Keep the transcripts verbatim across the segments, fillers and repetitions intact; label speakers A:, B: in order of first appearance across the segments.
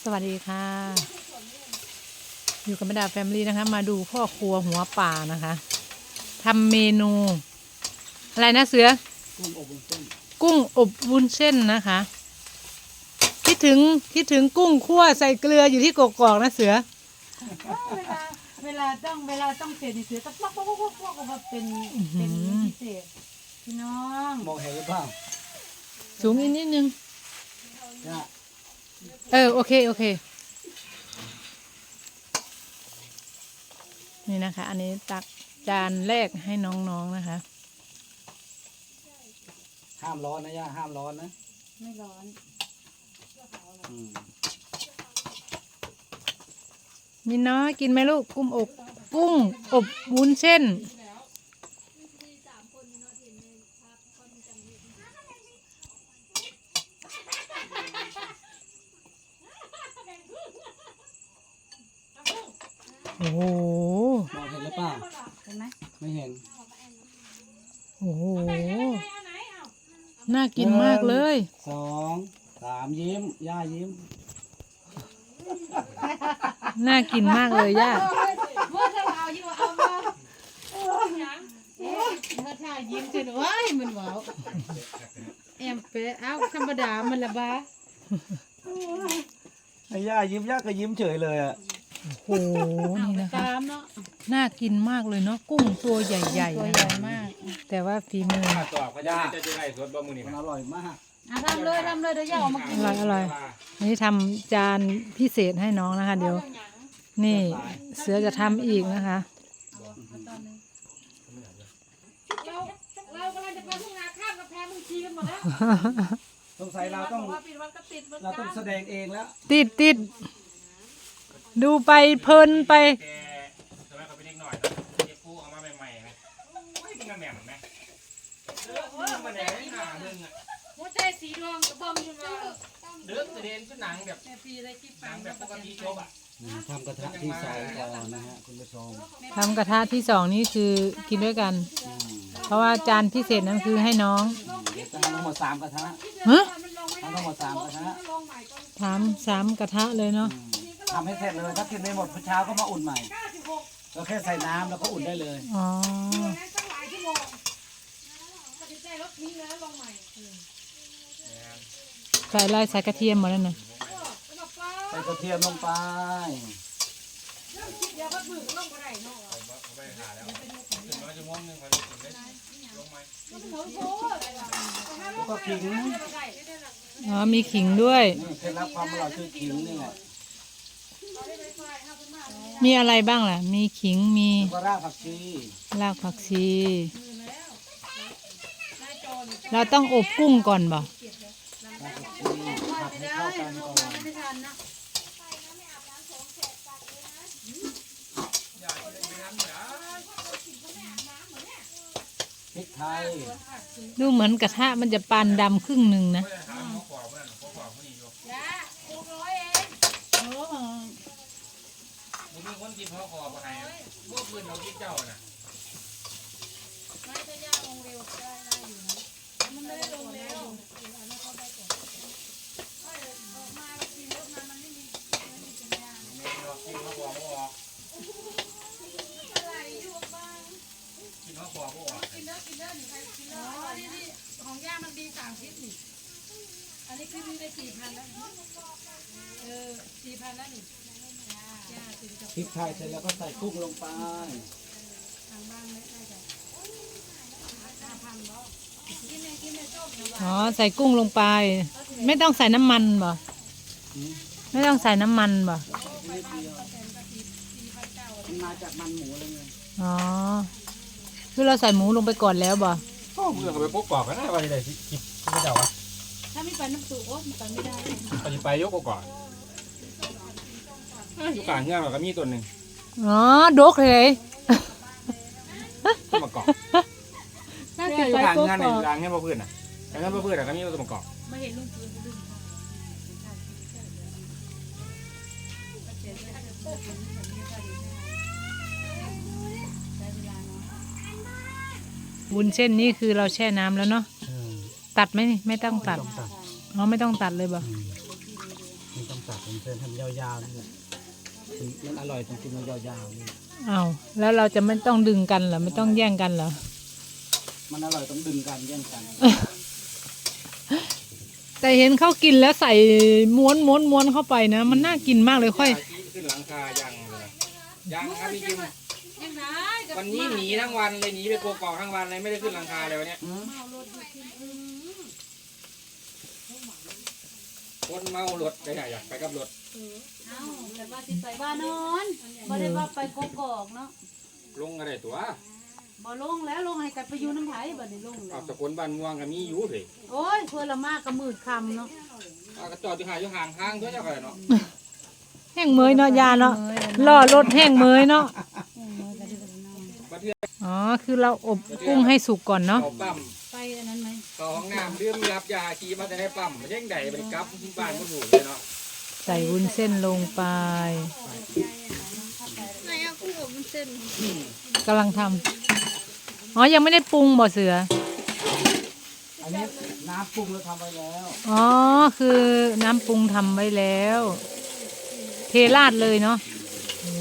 A: สวัสดีค่ะอยู่กับแม่ดาแฟมิลี่นะคะมาดูพ่อครัวหัวป่านะคะทำเมนูอะไรนะเสือกุ้งอบวุ้นเส้นกุ้งอบวุ้นเส้นนะคะคิดถึงคิดถึงกุ้งคั่วใส่เกลืออยู่ที่กกอกนะเสือ
B: เวลาเวลาต้องเวลาต้องเสร็จเสือต้องป๊อกป๊อกป๊อกป๊อกมาเป็นเป็นพิเศษพี่น้อง
C: มองเห็นหรือเปล่า
A: สูงอีกนิดนึงเออโอเคโอเคนี่นะคะอันนี้ตักจานแรกให้น้องๆนะคะ
C: ห้ามร้อนนะย่าห้ามร้อนนะ
B: ไม่ร้อน
A: มินน้อยกินไหมลูกกุ้งอบกุ้งอบวุ้นเส้นโอ้โห
C: มองเห็นหรือเปล่า
B: เห็นไหม
C: ไม่เห็น
A: โอ้โหน่ากินมากเลย
C: สองสามยิ้มย่ายิ้ม
A: น่ากินมากเลยย่า
B: เมื่อถ้าเอายิ่งเอามาเออเมื่อถ้ายิ้มจนว้ายมันว้าวแอมเป๊ะเอาธรรมดามันละบ้า
C: ไอ้ย่ายิ้มย่าก็ยิ้มเฉยเลยอ่ะ
A: โอ้โหนี่นะคะน่ากินมากเลยเนาะกุ้งตัวใหญ่ๆ
B: ตัวใหญ่มาก
A: แต่ว่าฝีมือ
C: ตัวก็ย่าจะจะไล่สดบะมือนี่มันอร่อยมาก
B: ทำเลยทำเลยเดี๋ยวย่าออกมากิน
A: อร่อยอร่อยนี่ทำจานพิเศษให้น้องนะคะเดี๋ยวนี่เสือจะทำอีกนะคะ
B: เราเรากำลังจะไปทุ่งนาข้ามกำแพงมึงชีกันหมดแล้ว
C: สงสัยเราต้องเราต้องแสดงเองแล้ว
A: ติดติดดูไปเพลินไป
D: ทำไมเขาไปเล็กหน่อยนะเก็บผู้เอามาใหม่ๆไหมโอ้ยเป็นกระแหม่มไหมเออมันแหน่ไม่หนาหนึ่งอ่ะ
B: หัวใจสีดวงกระบอมอยู่มา
D: เดือดเด่นชุดหนังแบบหนังแบบปกติจบอ่ะ
C: ทำกระทะที่สองก่อนนะฮะคุณผู้ชม
A: ทำกระทะที่สองนี่คือกินด้วยกันเพราะว่าจานพิเศษนั้นคือให้น้อง
C: เดี๋ยวจะทำทั้งหมดสามกระทะ
A: ฮะ
C: ทำทั้งหมดสามกระทะ
A: ทำสามกระทะเลยเนาะ
C: ทำให้เสร็จเลยถ้ากินไม่หมดพรุ่งเช้าก็มาอุ่นใหม่เราแค่ใส่น้ำแล้วก็อุ่นได้เลย
A: อ๋อใส่อะไรใส่กระเทียมหมดแล้วนะ
C: ใส่กระเทียมลงไปแล้วก็ขิง
A: อ๋อมีขิงด้วย
C: เคล็ดลับความอร่อยคือขิงนี่แหละ
A: มีอะไรบ้างล่ะมีขิงมี
C: รากผักชี
A: รากผักชีเราต้องอบกุ้งก่อนบ่
C: ผัดให้เข้ากันก่อนพริกไทย
A: ดูเหมือนกระทะมันจะปานดำครึ่งหนึ่งนะ
D: มึงมีคนกินพ่อคอมาให้พวกปืนเราคิดเจ้าน่ะ
B: ไม่ถ้าย่าลงเร็วได้ได้อยู่นะมันไม่ได้ลงเร็วมากินรถมามันไม่มีไม่มีสัญญาณ
D: ไม่รอกินพ่อคอพ่อ
B: อะไรอยู่บ้าง
D: กินพ่อคอพ่อ
B: กินเด้อกินเด้อหนูใครกินเด้ออ๋อนี่นี่ของย่ามันดีสามพิษนี่อันนี้คือมีได้สี่พันแล้วเออสี่พันแล้วนี่
C: พริกไทยเสร็จแล้วก็ใส่กุ้งลงไป
A: อ๋อใส่กุ้งลงไปไม่ต้องใส่น้ำมันบ่ไม่ต้องใส่น้ำมันบ่
C: มันมาจากมันหมูเลยไง
A: อ๋อคือเราใส่หมูลงไปก่อนแล้วบ่
D: ก็เมื่อก็ไปพกกรอบกันนะว่าจะได้คิดไม่เจ้าวะ
B: ถ้าไม่ไปน้ำสูโอ้ไปไม่ได้
D: ไปไปยกก่อนอยู่กลางเงื่อนเราก็มีตัวหนึ่ง
A: อ๋อดกเลย
D: ตัวมะกอกอยู่กลางเงื่อนอยู่กลางเงื่อนพ่อพื้นอ่ะกลางเงื่อนพ่อพื้นอ่ะก็มีตัวมะกอก
B: ไม่เห็นลุงปืนดึง
A: วุ้นเส้นนี่คือเราแช่น้ำแล้วเนาะตัดไหมไม่ต้องตัดอ๋อไม่ต้องตัดเลยบ่
C: ไม่ต้องตัดผมเส้นทำยาวๆนี่มันอร่อยตรงที่มันยาวๆนี่
A: เอาแล้วเราจะไม่ต้องดึงกันเหรอไม่ต้องแย่งกันเหรอ
C: มันอร่อยต้องดึงกันแย่งกัน
A: แต่เห็นเขากินแล้วใส่ม้วนม้วนม้วนเข้าไปนะ มันน่ากินมากเลยค่อย
D: ขึ้นหลังคายังเลยยังครับพี่จิม
B: ยังไง
D: วันนี้หนีทั้งวันเลยหนีไปโกกอกทั้งวันเลยไม่ได้ขึ้นหลังคาเลยวันเนี้ยคนเมารถไปไหนอยากไปกับรถ
B: เอ้าแต่ว่าสิไปบ้านนอนบ่ได้ว่าไปกกอกเนาะ
D: ลงอะไรตัว
B: บ่ลงแล้วลงให้กันไปอยู่น้ำไผ่บ่ได้ลงแล้
D: เอา
B: ว
D: สกุลบ้านม่วงก็มีอยู่เลย
B: โอ้ยเพื่อละมากก็มืดค่ำเนาะ
D: เอากระจอดอยู่ห่างอยู่ห่างห้างตัวเจ้ากันเนาะ
A: แห้งเมยเนาะยาเนาะล่อรถแห้งเมยเนาะ
D: ประเทศ
A: อ๋อคือเราอบกุ้งให้สุกก่อนเนาะ
D: เขาปั๊ม
B: ไปอันนั้นไหม
D: เขาห้องน้ำเรื่องรับยาขี่มาแต่ในปั๊มมันยังไงมันกลับที่บ้านมันถูกเลยเนาะ
A: ใส่วุ้นเส้นลงไปกำลังทำอ๋อยังไม่ได้ปรุงบ่เสือ
C: อันนี้น้ำปรุงแล้วทำไปแล้ว
A: อ๋อคือน้ำปรุงทำไว้แล้ว เทราดเลยเนาะโอ้โห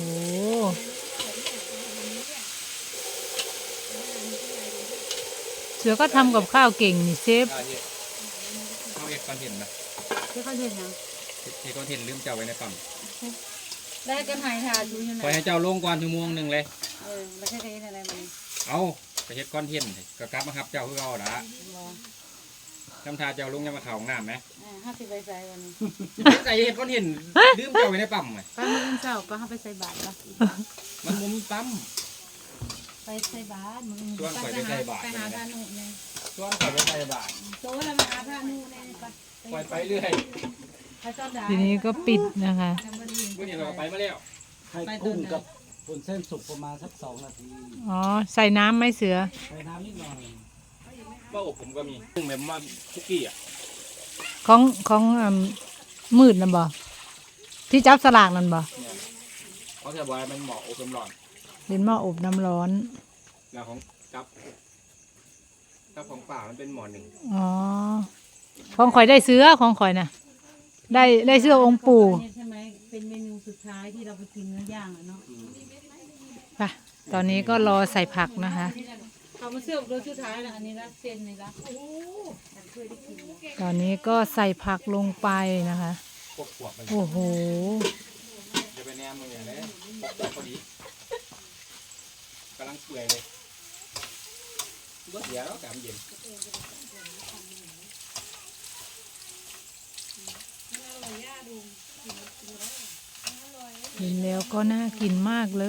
A: เสือก็ทำกับข้าวเก่งนี่เชฟ
D: เขาเก็บคอนเทนต์นะ
B: ที่เขาเห็นยัง
D: เก็บคอนเทนต์ลืมเจ้าไว้ในปั๊ม
B: ได้กันหายทาอยู่ยังไง
D: ปล่อยให้เจ้าลงก่อนชั่วโมงหนึ่งเลย
B: เออแล้วแค่นี้อะไรมัน
D: เอาไปเฮ็ดคอนเทนต์ก็กลับมาครับเจ้าคือเอาละ
B: บ่
D: ทำทาเจ้าลงยังมาเข่าห้องน้ำไหม
B: อ่าห้าสิบใบใส่วันนี้
D: ใส่เฮ็ดคอนเทนต์ลืมเจ้าไว้ในปั๊มไง
B: ไปมื้ออื่นเช้าก็ห้าไปใส่บาตรปะ
D: มันบ่มีปั๊ม
B: ไปใส่บาตรมื้ออื่น
D: ชวนข่อยไปใส่บาตร
B: ไปหาพระนุเนี่ย
D: ชวนข่อยไปใส่บาตร
B: โตแล้วมาหาพระนุเนี่ยไป
D: ปล่อยไปเรื่อย
B: ไปจอดได้
A: ทีนี้ก็ปิดนะคะ
B: จำบ่ได้ยิน
D: เมื่อนี้เราก็ไปมาแล้ว
C: ไข่กุ้งกับผลเส้นสุกประมาณสักสองนาที
A: อ๋อใส่น้ำไหมเสือ
C: ใส่น้ำนิดหน่อย
D: ว่าอบผมก็มีซึ่งแบบว่าคุกกี้อ่ะ
A: ของของอืมมืดนั่นบ่ที่จับสลากนั่นบ่
D: เนี่ยเขาจะบอกว่ามันเหมาะอบน้ำร้อน
A: เป็นหม้ออบน้ำร้อน
D: แล้วของกับกับของป่ามันเป็นหมอหนึ่ง
A: อ๋อของข่อยได้เสือของข่อยนะได้ได้เสื้อองค์ปู่
B: เนี่ยใช่ไหมเป็นเมนูสุดท้ายที่เราไปกินเนื้อย่างอ่ะเนาะ
A: ค่ะตอนนี้ก็รอใส่ผักนะคะ
B: เขามาเสื้อโดยสุดท้ายนะอันนี้ละเส้นนี่ละโอ้ฉันเคยได้กิน
A: ตอนนี้ก็ใส่ผักลงไปนะคะ
D: พวกขวบมัน
A: โอ้โห
D: จะไปแนมมึงอย่างนี้พวกขวบพอดีกำลังเปื่อยเลยก็เสียแล้วกำเย็น
A: เห็นแล้วก็น่ากินมากเลย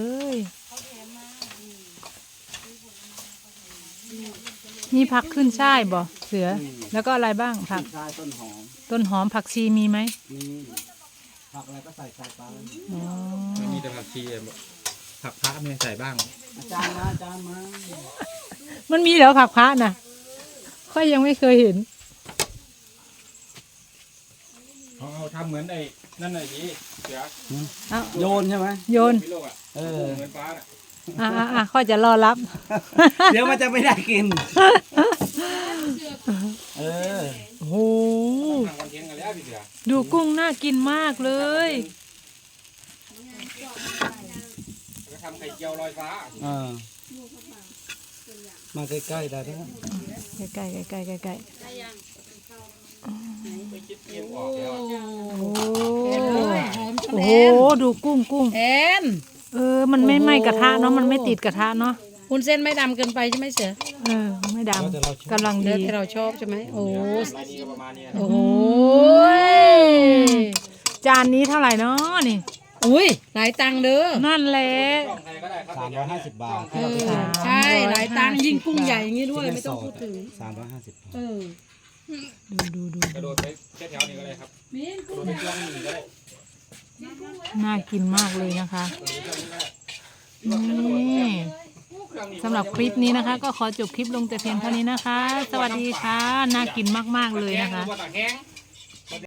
A: มีผักขึ้นช่ายบ่เสือ แล้วก็อะไรบ้างผัก
C: ใช่ต้นหอม
A: ต้นหอมผักชีมีไหม
C: มีผักอะไรก็ใส่ใส่ไป
A: อ๋อ
D: มันมีแต่ผักชีผักพระมีใส่บ้าง
C: อาจารย์มาอาจารย์มา
A: มันมีแล้วผักพระน่ะค่อยยังไม่เคยเห็น
D: เขาเอาทำเหมือนไอ้นั่นไอ้ที่เสือ
A: เอา
C: โยนใช่ไหม
A: โยน
D: พิโลกอ่ะ
C: เออ
D: เหมือนฟ้าน่ะ
A: อ่ะอ่ะอ่ะค่อยจะรอรับ
C: เดี๋ยวมันจะไม่ได้กิน เออ
A: โอ้โห
D: ทำคอนเทนต์กันแล้วพี่เสือ
A: ดูกุ้งน่ากินมากเลย
D: แล้วก็ทำไข่เจียวลอยฟ้า
C: เออมาใกล้ๆได้ไหม
A: ใกล้ๆใกล้ๆใกล้ๆใกล้
D: ไปคิดเกมออกแล้วอะ
A: ๆโอ้
B: หอม
A: โอ้โหดูกุ้งกุ้ง
B: แอน
A: เออ มันไม่ไหม้กระทะเนาะ มันไม่ติดกระทะเนาะ
B: คุณเส้นไม่ดำเกินไปใช่ไหมเสือ
A: เออ ไม่ดำกำลัง
B: เนื้
A: ดี
B: อที่เราชอบใช่ไหมโอ้
D: ลายนี้ก็ประมาณนี้นะ
B: โอ้โห
A: จานนี้เท่าไหร่เนาะนี่
B: อุ้ยหลายตังค์เด้อ
A: นั่นแหละ
D: ช่องใครก็ได้ครับ
C: สามร้อยห้าสิบบาท
B: เออใช่หลายตังค์ยิ่งกุ้งใหญ่อย่างนี้ด้วยไม่ต้องพูดถึง
C: สามร้อยห้าสิบ
B: เออ
A: ดูดูดู
D: กระโดดไปแค่แถวนี้ก็ได้ครับ
B: มีน
D: กระโดดไปช่วงนี้ก็ได้
A: น่ากินมากเลยนะคะ
D: กระโดดไปช่วงนี้ก็ได้
A: นี่สำหรับคลิปนี้นะคะ ก็ขอจบคลิปลงแต่เพียงเท่านี้นะคะ สวัสดีค่ะ น่ากินมากๆเลยนะคะ
D: ตะแห้ง